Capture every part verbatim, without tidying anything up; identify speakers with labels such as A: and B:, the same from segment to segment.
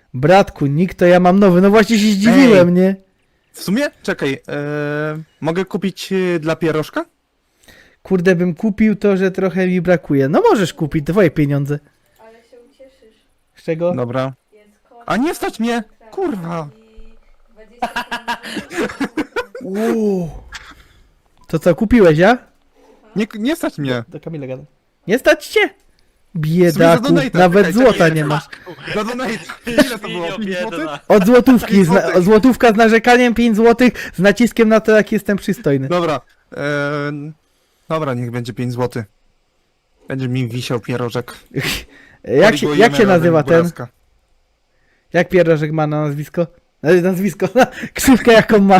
A: Bratku, nikt to ja mam nowy. No właśnie się zdziwiłem,
B: Ej.
A: nie?
B: W sumie, czekaj, e, mogę kupić e, dla pierożka?
A: Kurde, bym kupił to, że trochę mi brakuje. No możesz kupić, twoje pieniądze.
C: Ale się ucieszysz.
A: Z czego?
B: Dobra.
C: Jest koszt.
B: A nie stać mnie! Kurwa!
C: I dwadzieścia pięć
A: Uuu. To co, kupiłeś, ja?
B: Nie, nie stać mnie!
A: Do Kamila gada. Nie stać cię?
B: W
A: Biedaku,
B: sumie za donate'a,
A: nawet
B: czekaj,
A: złota
B: czekaj,
A: nie masz.
B: Za donate! Ile to było?
D: Świnio
B: pięć złotych?
D: biedna.
A: Od złotówki,
B: pięć
A: zna,
B: złotych.
A: złotówka z narzekaniem, pięć złotych, z naciskiem na to, jak jestem przystojny.
B: Dobra. E, dobra, niech będzie pięć złotych. Będzie mi wisiał pierożek.
A: Jak się, jak się
B: Korygujemy
A: nazywa
B: razem
A: ten?
B: Buraska.
A: Jak pierożek ma na nazwisko? E, Nazwisko, krzywkę jaką ma.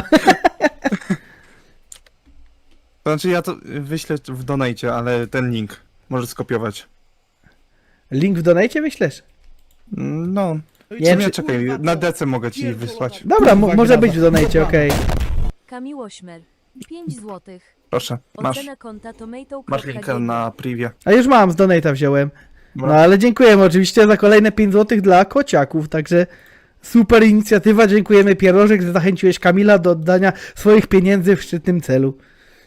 B: To znaczy ja to wyślę w donate, ale ten link możesz skopiować.
A: Link w donajcie wyślesz?
B: Mm, No. W
A: Nie,
B: sumie
A: czy-
B: czekaj, na dece mogę ci wysłać.
A: Dobra, mo może być w donajcie, okej.
E: Kamil Ośmer. pięć złotych.
B: Proszę, masz,
E: Ocena konta tomato.
B: masz linkę na privie.
A: A już mam, z donata wziąłem. No
B: Dobra.
A: ale dziękujemy oczywiście za kolejne pięć złotych dla kociaków, także super inicjatywa, dziękujemy Pierożek, że zachęciłeś Kamila do oddania swoich pieniędzy w szczytnym celu.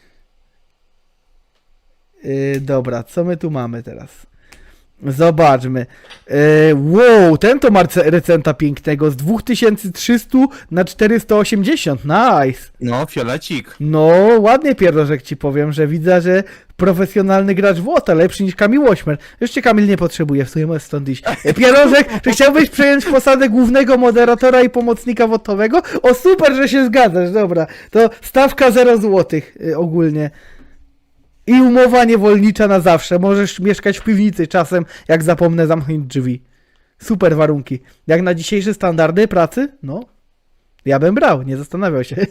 A: Yy, dobra, co my tu mamy teraz? Zobaczmy. Yy, wow, ten to ma rece- recenta pięknego z dwa tysiące trzysta na czterysta osiemdziesiąt, nice.
B: No, fiolecik.
A: No, ładnie Pierożek ci powiem, że widzę, że profesjonalny gracz w Łota, lepszy niż Kamil Ośmer. Jeszcze Kamil nie potrzebuje, w sumie możesz stąd iść. E, Pierożek, czy chciałbyś przejąć posadę głównego moderatora i pomocnika wotowego? O, super, że się zgadzasz, dobra. To stawka zero złotych y, ogólnie. I umowa niewolnicza na zawsze. Możesz mieszkać w piwnicy czasem, jak zapomnę zamknąć drzwi. Super warunki. Jak na dzisiejsze standardy pracy? No. Ja bym brał, nie zastanawiał się.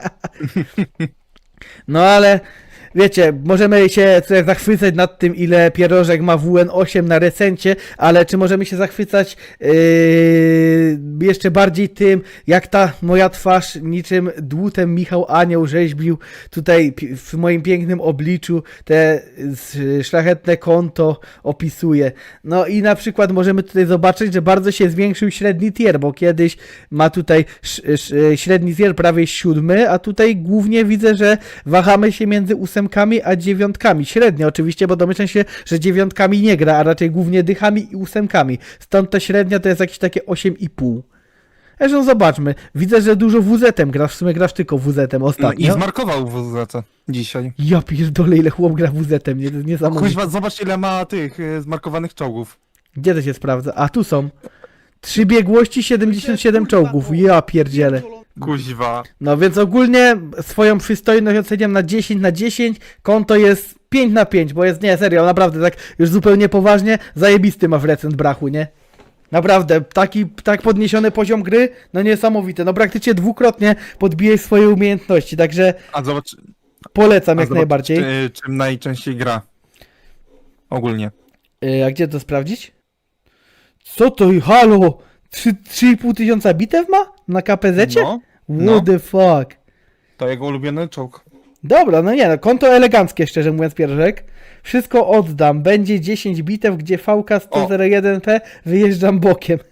A: No ale wiecie, możemy się tutaj zachwycać nad tym, ile Pierożek ma W N osiem na recencie, ale czy możemy się zachwycać yy, jeszcze bardziej tym, jak ta moja twarz niczym dłutem Michał Anioł rzeźbił tutaj pi- w moim pięknym obliczu te y, szlachetne konto opisuje. No i na przykład możemy tutaj zobaczyć, że bardzo się zwiększył średni tier, bo kiedyś ma tutaj sz, sz, średni tier prawie siódmy, a tutaj głównie widzę, że wahamy się między ósemkami a dziewiątkami. Średnio oczywiście, bo domyślam się, że dziewiątkami nie gra, a raczej głównie dychami i ósemkami. Stąd ta średnia to jest jakieś takie osiem i pół. Zresztą zobaczmy. Widzę, że dużo W Z-em grasz. W sumie grasz tylko W Z-em
B: No,
A: ostatnio.
B: i zmarkował w Z C dzisiaj.
A: Ja pierdolę, ile chłop gra W Z-em. Nie, to jest niesamowite.
B: Kuźwa, zobacz ile ma tych y, zmarkowanych czołgów.
A: Gdzie to się sprawdza? A, tu są. Trzy biegłości, siedemdziesiąt siedem czołgów. Ja pierdzielę.
B: Kuźwa.
A: No więc ogólnie swoją przystojność oceniam na dziesięć na dziesięć. Konto jest pięć na pięć, bo jest, nie, serio, naprawdę tak już zupełnie poważnie, zajebisty ma w recent brachu, nie? Naprawdę, taki tak podniesiony poziom gry, no niesamowite. No praktycznie dwukrotnie podbijesz swoje umiejętności, także
B: A zobacz,
A: polecam
B: a
A: jak
B: zobacz
A: najbardziej.
B: Czy, czym najczęściej gra. Ogólnie.
A: Yy, a gdzie to sprawdzić? Co to? Halo? trzy i pół tysiąca bitew ma? Na K P Z-cie?
B: No,
A: What
B: no.
A: the fuck?
B: to jego ulubiony czołg.
A: Dobra, no nie, no konto eleganckie, szczerze mówiąc, Pierożek. Wszystko oddam. Będzie dziesięć bitew, gdzie V K sto jeden P wyjeżdżam bokiem.